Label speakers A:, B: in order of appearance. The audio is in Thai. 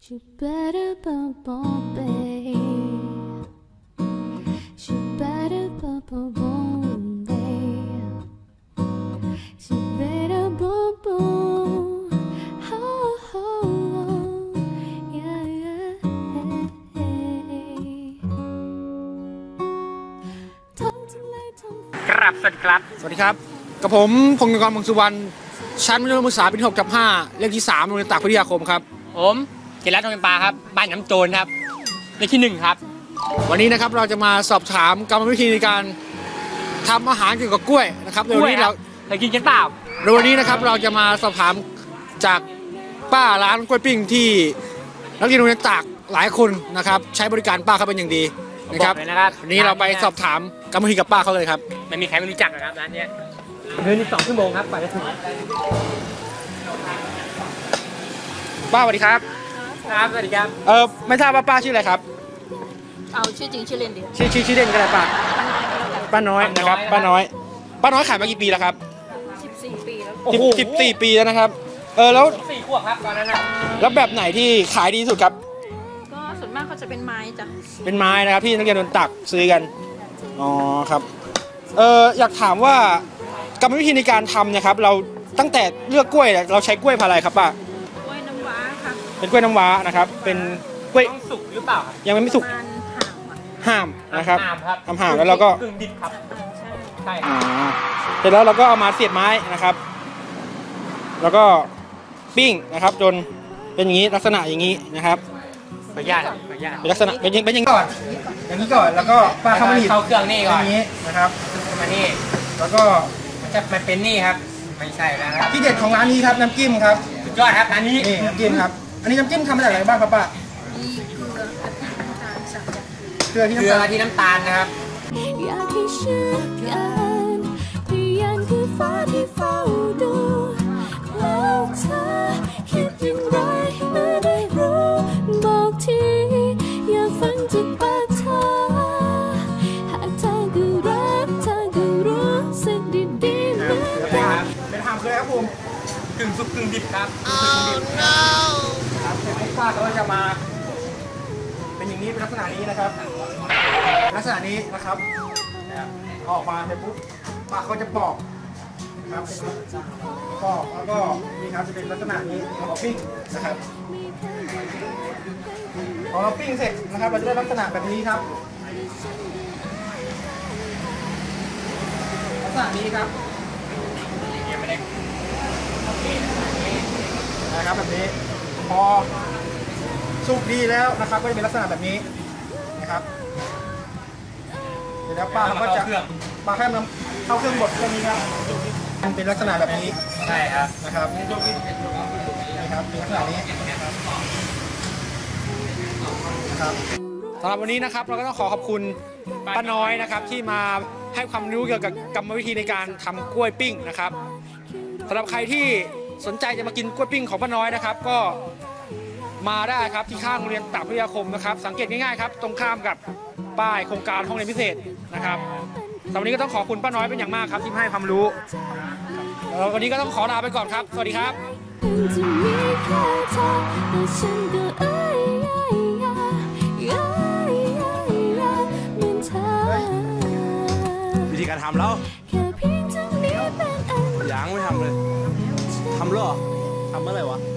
A: You better bubble babe. You better bubble babe. You better bubble. Oh, oh, oh. Yeah, yeah.
B: ครับสวัสดีครับ
C: สวัสดีครับกับผมพงศกร พงศ์สุวรรณชั้นมัธยมศึกษาปีที่6/5เลขที่3โรงเรียนตากพิทยาคมครับ
B: ผมเจริญทองเป็นปลาครับบ้านน้ำโจรครับเลขที่1ครับ
C: วันนี้นะครับเราจะมาสอบถามกรรมวิธีในการทำอาหารเกี่ยวกับกล้วยนะครับในวันนี้เรา
B: เคยกินกันเปล่า
C: ในวันนี้นะครับเราจะมาสอบถามจากป้าร้านกล้วยปิ้งที่นักเรียนโรงเรียนตากหลายคนนะครับใช้บริการป้าเขาเป็นอย่างดีนะครับวันนี้เราไปสอบถามกรรมวิธีกับป้าเขาเลยครับ
B: ไม่มีใครไม่รู้จักนะครับร้านนี้เดินอีก2 ชั่วโมงครับกว่าจะถึง
C: ป้าสวัสดีครับ
B: ครับสวัสดีครับ
C: ไม่ทราบว่าป้าชื่ออะไรครับ
D: เอาชื่อจริงชื่อเล่นเดียว
C: ชื่อเล่นก็ได้ป้าน้อยนะครับป้าน้อยขายมากี่ปีแล้วครับ
D: 14 ปีแล้ว
C: 14 ปีแล้วนะครับแล้ว
B: 4 ขวบครับตอนนั้นนะ
C: แล้วแบบไหนที่ขายดีที่สุดครับ
D: ก็ส่วนมากเขาจะเป็นไม้จ้ะ
C: เป็นไม้นะครับที่นักเรียนโดนตักซื้อกันอ๋อครับอยากถามว่ากรรมวิธีในการทำนะครับเราตั้งแต่เลือกกล้วยเราใช้กล้วยพันธุ์อะไรครับป้าก
D: ล้วยน้ำว้าค่ะ
C: เป็นกล้วยน้ำว้านะครับเป็นกล้วย
B: สุกหรือเปล่า
C: ยังไม่สุกห่ามนะครับห่ามแล้วเราก็
B: กึ่งดิบครับใช่
C: เสร็จแล้วเราก็เอามาเสียบไม้นะครับแล้วก็ปิ้งนะครับจนเป็นอย่างนี้ลักษณะอย่างนี้นะครับ
B: ขออนุญาต
C: เป็นลักษณะเป็นอย่างนี้ก่อนแล้วก็ป้าเข้ามาหยิบ
B: เข้าเครื่องนี่ก่อน
C: อย่างนี้นะครับ
B: มานี่
C: แล้วก็
B: มันเป็นนี่ครับไม่ใช่แล้ว
C: ที่เด็ดของร้านนี้ครับน้ำจิ้มครับ
B: สุดยอดครับร้านนี้
C: น้ำจิ้มครับอันนี้น้ำจิ้มทำมาจากอะไรบ้างครับป้าเกลือ
B: ที่น้ำตาลนะครับ
A: อยากให้เชื่อกันพยานคือฟ้าที่เฝ้าดูแล้วเธอคิดอย่างไรเมื่อได้รู้บอกทีอยากฟังจากปากเธอหากเธอก็รักเธอก็รู้สึกดีๆเหมือนกัน
C: เป็นหามคืออะไรครับผม
B: กึ่งสุกกึ่งดิบครับ
C: ครับป้าเขาจะมาเป็นอย่างนี้เป็นลักษณะนี้นะครับลักษณะนี้นะครับออกมาเสร็จปุ๊บป้าเขาจะปอกครับปอกแล้วก็นี่ครับจะเป็นลักษณะนี้เราปิ้งนะครับพอเราปิ้งเสร็จนะครับเราจะได้ลักษณะแบบนี้ครับลักษณะนี้ครับนะครับแบบนี้พอสุกดีแล้วนะครับก็จะเป็นลักษณะแบบนี้นะครับเดี๋ยวแล้วป้าเขาก็จะป้าแค่นำเข้าเครื่องบดเครื่องนี้ครับมันเป็นลักษณะแบบนี้
B: ใช่ครับ
C: นะครับนี่ครับเป็นลักษณะนี้นะครับสำหรับวันนี้นะครับเราก็ต้องขอบคุณป้าน้อยนะครับที่มาให้ความรู้เกี่ยวกับกรรมวิธีในการทำกล้วยปิ้งนะครับสำหรับใครที่สนใจจะมากินกล้วยปิ้งของป้าน้อยนะครับก็มาได้ครับที่ข้างโรงเรียนตากพิทยาคมนะครับสังเกตง่ายๆครับตรงข้ามกับป้ายโครงการห้องเรียนพิเศษนะครับสำหรับวันนี้ก็ต้องขอบคุณป้าน้อยเป็นอย่างมากครับที่ให้ความรู้วันนี้ก็ต้องขอลาไปก่อนครับสวัสดีครับ
E: วิธีการทำแล้วยังไม่ทำเลยทำหรอทำเมื่อไหร่วะ